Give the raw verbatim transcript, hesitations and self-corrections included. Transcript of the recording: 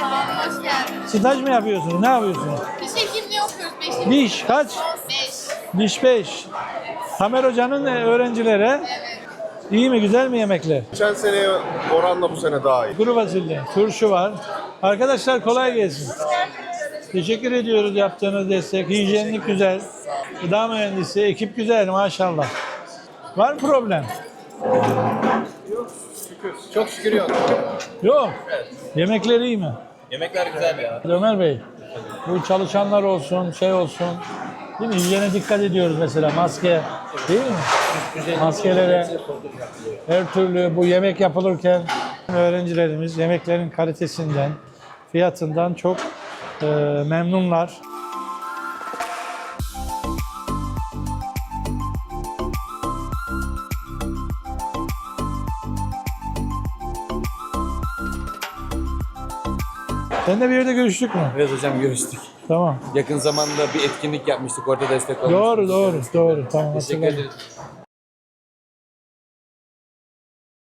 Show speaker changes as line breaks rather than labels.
Sağ olun, hoş geldiniz.
Staj mı yapıyorsunuz? Ne yapıyorsunuz?
Diş hekimliği okuyoruz beş yıl.
Diş kaç?
beş.
Diş beş. Tamer Hoca'nın e, öğrencilere iyi mi, güzel mi yemekler?
Geçen seneye oranla bu sene daha iyi.
Kuru fasulye, turşu var. Arkadaşlar kolay gelsin. Teşekkür ediyoruz yaptığınız destek. Hijyenlik güzel. Gıda mühendisi, ekip güzel maşallah. Var mı problem?
Çok şükür yok.
Yok. Yemekler iyi mi?
Yemekler güzel ya.
Ömer Bey, bu çalışanlar olsun, şey olsun. Değil mi? Hijyene dikkat ediyoruz mesela. Maske, değil mi? Maskelere, her türlü bu yemek yapılırken öğrencilerimiz yemeklerin kalitesinden, fiyatından çok e, memnunlar. Seninle bir yerde görüştük mü?
Evet hocam görüştük.
Tamam.
Yakın zamanda bir etkinlik yapmıştık orada destek olmuştuk.
Doğru, doğru, doğru. Tamam.
Teşekkür
hatırladım.
ederiz.